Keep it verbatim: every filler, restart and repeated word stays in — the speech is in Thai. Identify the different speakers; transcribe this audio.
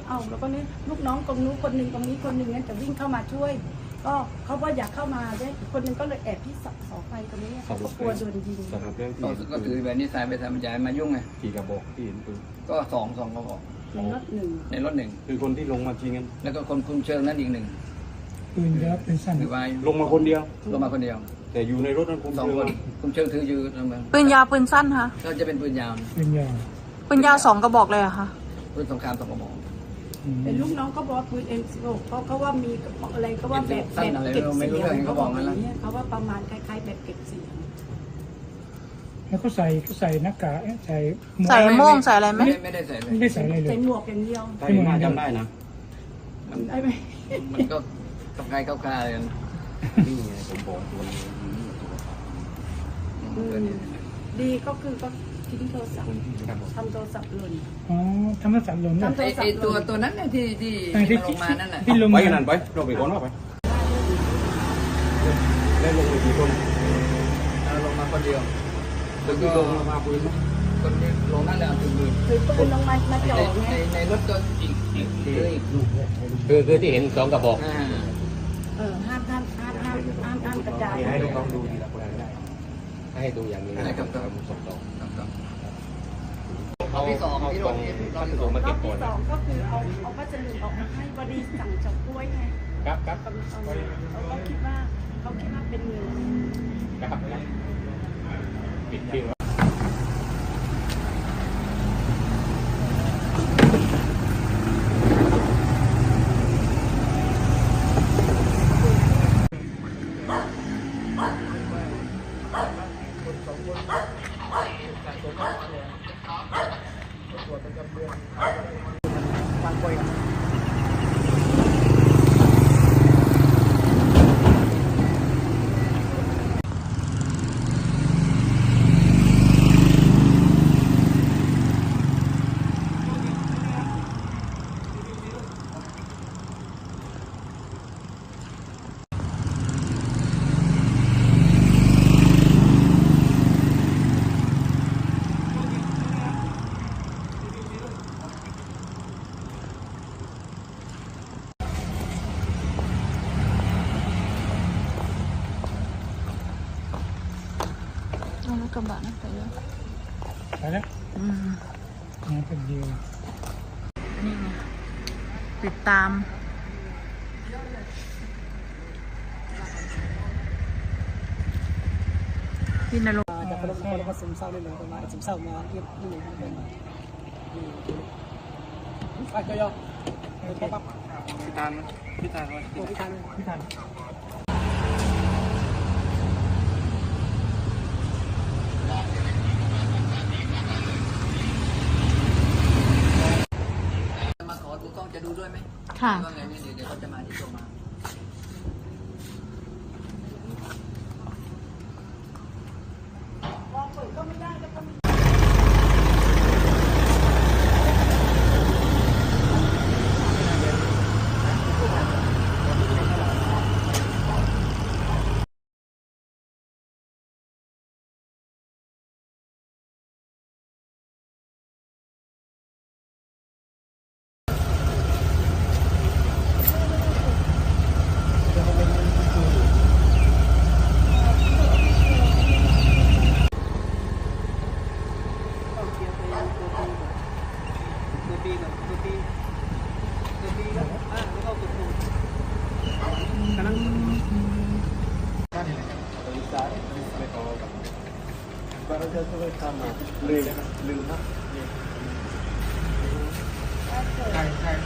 Speaker 1: เอาแล้วก็นี่ลูกน้องตรงนู้นคนหนึ่งตรงนี้คนหนึ่งงั้นจะวิ่งเข้ามาช่วยก็เขาก็อยากเข้ามาด้วยคนหนึ่งก็เลยแอบที่เสาไฟตรงนี้เขาก็กลัวโดนยิง
Speaker 2: ก็ถือแบบนี้สายไปทำใจมายุ่งไง
Speaker 3: กี่กระบอกที่เห็นปืน
Speaker 2: ก็สองสองกระบอก
Speaker 1: ในรถหนึ่ง
Speaker 2: ในรถหนึ่ง
Speaker 3: คือคนที่ลงมาจริงกัน
Speaker 2: แล้วก็คนคุมเชิงนั้นอีกหนึ่ง
Speaker 4: ปืนยาวปืนสั้น
Speaker 2: ถือไว้
Speaker 3: ลงมาคนเดียว
Speaker 2: ลงมาคนเดียว
Speaker 3: แต่อยู่ในรถนั้นคุม
Speaker 2: สอง
Speaker 3: เชิง
Speaker 2: คนคุมเชิงถืออยู่ทำไม
Speaker 5: ปืนยาวปืนสั้นคะ
Speaker 2: ก็จะเป็นปืนยาว
Speaker 4: ปืนยาว
Speaker 5: ปืนยาวสองกระบอกเลยอะค่ะ
Speaker 2: ปืนสงครามสองกระบอก
Speaker 1: เป็นลูกน้องก็บอกปืนเอ็มสิบหกเขาเขาว่ามีอะไรก็ว่าแบบแบบเก็บเสียงเขาบอกอะไรเงี้ยเขาว่าประมาณคล้ายๆแบบเก็บเสียง
Speaker 4: แล้วเขาใส่เขาใส่หน้ากากใส่
Speaker 5: ใส่โม่งใส่อะไรไหม
Speaker 2: ไม่ได้ใส่เลย
Speaker 4: ไม่ได้ใส่อะไรเลย
Speaker 1: ใส่หมวกอย่างเดียว
Speaker 3: ใช่น่าจำได้นะ
Speaker 2: มันได้ไหมมันก็ตกใจเข้าคาเลย
Speaker 3: นี่ไงผมบอกตัวนี้
Speaker 1: ดีก็คือก็ทิ้งโทรศัพท์ทำโทรศัพท์หล่น
Speaker 4: อ๋อทำโทรศัพท์หล่น
Speaker 2: ไอ้ไอ้ตัวตัวนั้นเนี่ยที่ที่ลงมานั่นแหละ
Speaker 3: ไปกันนั่นไปเราไปก่อนเราไปได้ลงไปกี่คน
Speaker 2: ลงมาคนเดียว
Speaker 3: แล้วก็ลงมาปืน
Speaker 2: คนที่ลงนั่นแหละถือปืน
Speaker 1: ถือปืนลงมามาจ่อไง
Speaker 2: ในรถก็อีกอีกอีกลูก
Speaker 3: คือคือที่เห็นสองกระบอก
Speaker 1: เออห้ามห้ามห้ามห้ามห้ามห้ามกระจาย
Speaker 3: ให้ลูกน้องดูทีละคนได้ให้ดูอย่างนี้
Speaker 2: นะครับครับครับเอาที่สองที่รถที่
Speaker 3: รอบที่สองมาเก็บก่อน
Speaker 1: สองก็คือเอาเอาพัสดุออกมาให้บริสั่งจากกล้วยไง
Speaker 3: ครับครับ
Speaker 1: เขาเขาคิดว่าเขาคิดว่าเป็นเงิน
Speaker 3: ครับปิดทิ้ง
Speaker 5: รถกระบะนะไปแล้ว
Speaker 4: ไปแล้ว
Speaker 5: อืม
Speaker 4: มาเป็นเดียว
Speaker 5: นี่ไงติดตามพี่นรงค์
Speaker 6: จากคนคนมาซึมเศร้าเลยเลยประมาณซึมเศร้ามาเยี่ยมนี่เลยประมาณไปก็ย่อปั๊บ
Speaker 3: พี่ตาลพี่ตาล
Speaker 6: พี่ทานพี่ทาน
Speaker 2: มาขอดูกล้องจะดูด้วยไหม
Speaker 5: ค่ะ
Speaker 2: ว่าไงเนี่ยเดี๋ยวเขาจะมาที่โรงมา
Speaker 1: ก็ไม่ได้ก็ต้อง
Speaker 3: ลืมลืมครับใช่ใช่